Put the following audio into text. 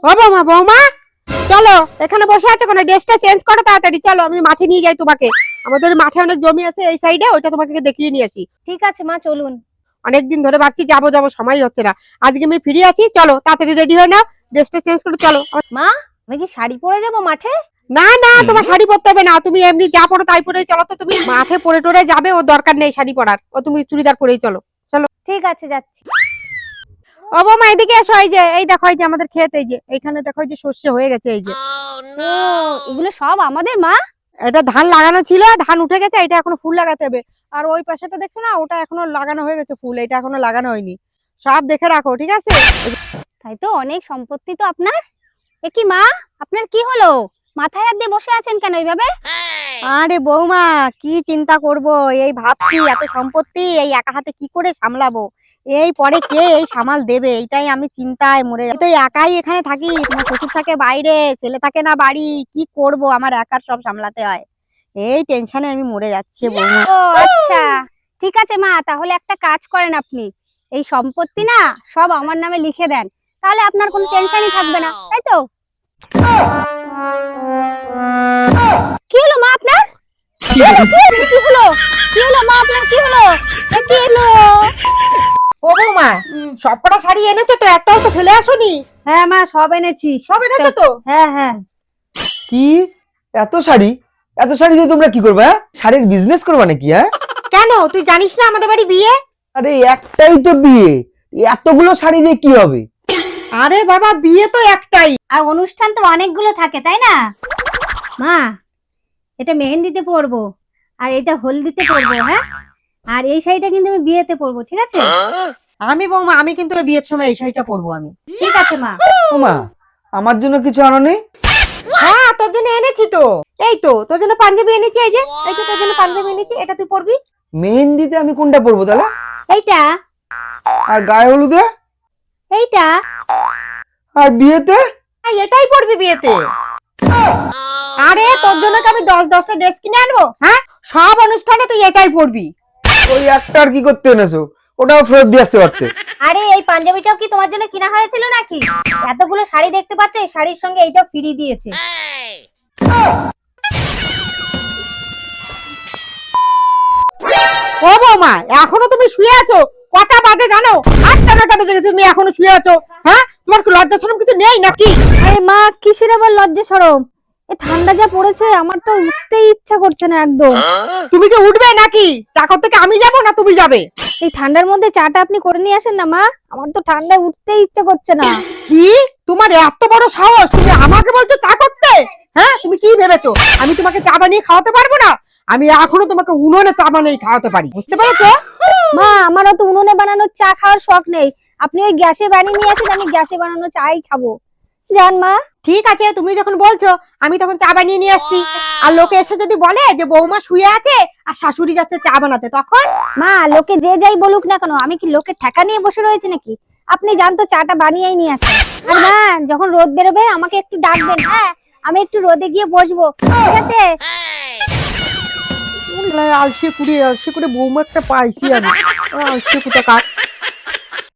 ও বৌমা বৌমা চলো, এখানে বসে আছো কেন? ড্রেসটা চেঞ্জ করো তাড়াতাড়ি, চলো আমি মাঠে নিয়ে যাই তোমাকে। আমাদের মাঠে অনেক জমি আছে এই সাইডে, ওইটা তোমাকে দেখিয়ে নিয়ে আসি। ঠিক আছে মা, চলুন। অনেকদিন ধরে ভাবছি যাবো যাবো, সময় হচ্ছে না। আজকে আমি ফ্রি আছি, চলো তাড়াতাড়ি রেডি হয়ে নাও, ড্রেসটা চেঞ্জ করে চলো। মা, আমি কি শাড়ি পরে যাবো মাঠে? না না, তোমার শাড়ি পরতে হবে না, তুমি এমনি যা পরো তাই পরে চলো। তো তুমি মাঠে পরে টরে যাবে, ও দরকার নেই শাড়ি পরার, ও তুমি চুড়িদার পরেই চলো। চলো। ঠিক আছে, যাচ্ছি। ও বৌমা এদিকে এসো, এই যে এই দেখো, এই যে আমাদের ক্ষেত, এই যে এইখানে দেখো, এই যে শস্য হয়ে গেছে, এই যে ও, এগুলো সব আমাদের মা? এটা ধান লাগানো ছিল, ধান উঠে গেছে, এটা এখনো ফুল লাগাতে হবে। আর ওই পাশেটা দেখছো না, ওটা এখনো লাগানো হয়ে গেছে ফুল, এটা এখনো লাগানো হয়নি। সব দেখে রাখো, ঠিক আছে? তাই তো, অনেক সম্পত্তি তো আপনার। এ কি মা, আপনার কি হলো? মাথায় হাত দিয়ে বসে আছেন কেন এইভাবে? আরে বৌমা, কি চিন্তা করব, এই ভাবছি এত সম্পত্তি এই একা হাতে কি করে সামলাবো। এই পরে কে এই সামাল দেবে, এইটাই আমি চিন্তায় মরে যাচ্ছি। তো একাই এখানে থাকি, তোমার শ্বশুর থাকে বাইরে, ছেলে থাকে না বাড়ি, কি করব, আমার একার সব সামলাতে হয়। এই টেনশনে আমি মরে যাচ্ছি বৌমা। ও আচ্ছা, ঠিক আছে মা, তাহলে একটা কাজ করেন আপনি, এই সম্পত্তি না সব আমার নামে লিখে দেন, তাহলে আপনার কোনো টেনশনই থাকবে না, তাই তো? কি হলো মা আপনার? কি হলো? কি হলো মা আপনার, কি হলো? কি হলো? ও বৌমা, সবকটা শাড়ি এনেছো তো? একটাও তো ফেলে আসোনি? হ্যাঁ মা, সব এনেছি। সব এনেছো তো? হ্যাঁ হ্যাঁ। কি এত শাড়ি? এত শাড়ি দিয়ে তোমরা কি করবে? হ্যাঁ, শাড়ির বিজনেস করবা নাকি? হ্যাঁ, কেন তুই জানিস না আমাদের বাড়ি বিয়ে? আরে একটাই তো বিয়ে, এতগুলো শাড়ি দিয়ে কি হবে? আরে বাবা, বিয়ে তো একটাই। আর অনুষ্ঠান তো অনেকগুলো থাকে, তাই না মা? এটা মেহেন্দিতে পরবো, আর এটা হলদিতে পরবো, হ্যাঁ, আর এই শাড়িটা কিন্তু আমি বিয়েতে পরবো, ঠিক আছে? আমি বৌমা, আমি কিন্তু ওই বিয়ের সময় এই শাড়িটা পরবো আমি। ঠিক আছে মা। ও মা, আমার জন্য কিছু আনো নি? হ্যাঁ, তোর জন্য এনেছি তো। এই তো তোর জন্য পাঞ্জাবি এনেছি, এই যে এই তো তোর জন্য পাঞ্জাবি এনেছি, এটা তুই পরবি। মেহেন্দিতে আমি কোনটা পরবো তাহলে? এইটা। আর গায়ে হলুদে? এইটা। আর বিয়েতে? এটাই পরবি বিয়েতে। আরে তোর জন্য কি আমি 10-10টা ড্রেস কিনে আনবো? হ্যাঁ, সব অনুষ্ঠানে তুই এটাই পরবি। ওই একটা আর কি করতে এনেছো? ওটাও ফেরত দিয়ে আসতে পারতে। আরে এই পাঞ্জাবিটাও কি তোমার জন্য কিনা হয়েছিল নাকি? এতগুলো শাড়ি দেখতে পাচ্ছ, এই শাড়ির সঙ্গে এইটাও ফ্রি দিয়েছে। ও বৌমা, এখনো তুমি শুয়ে আছো? কটা বাজে জানো? 8টা-9টা বেজে গেছে, তুমি এখনো শুয়ে আছো? হ্যাঁ, তোমার কি লজ্জা শরম কিছু নেই নাকি? আরে মা, কিসের আবার লজ্জা শরম? এই ঠান্ডা যা পড়েছে, আমার তো উঠতেই ইচ্ছা করছে না একদম। তুমি কি উঠবে নাকি? চাকর থেকে আমি যাব না তুমি যাবে? এই ঠান্ডার মধ্যে চাটা আপনি করে নিয়ে আসেন না মা, আমার তো ঠান্ডায় উঠতেই ইচ্ছা করছে না। কি, তোমার এত বড় সাহস, তুমি আমাকে বলছো চা করতে? হ্যাঁ, তুমি কি ভেবেছো আমি তোমাকে চা বানিয়ে খাওয়াতে পারবো না? আমি এখনো তোমাকে উনুনে চা বানিয়ে খাওয়াতে পারি, বুঝতে পেরেছো? মা, আমারও তো উনুনে বানানো চা খাওয়ার শখ নেই, আপনি ওই গ্যাসে বানিয়ে নিয়ে আসেন, আমি গ্যাসে বানানো চাই খাবো। জান মা। ঠিক আছে, তুমি যখন বলছো আমি তখন চা বানিয়ে নিয়ে আসছি। আর লোকে এসে যদি বলে যে বৌমা শুয়ে আছে আর শাশুড়ি যাচ্ছে চা বানাতে, তখন? মা, লোকে যে যাই বলুক না কেন, আমি কি লোকে ঠেকা নিয়ে বসে রয়েছে নাকি? আপনি জান তো, চাটা বানিয়েই নিয়ে আসেন। আর মা, যখন রোদ বেরোবে আমাকে একটু ডাকবেন, হ্যাঁ, আমি একটু রোদে গিয়ে বসবো, ঠিক আছে? আলসে করে বৌমা একটা পাইছি আমি। আলসে কোথাকার।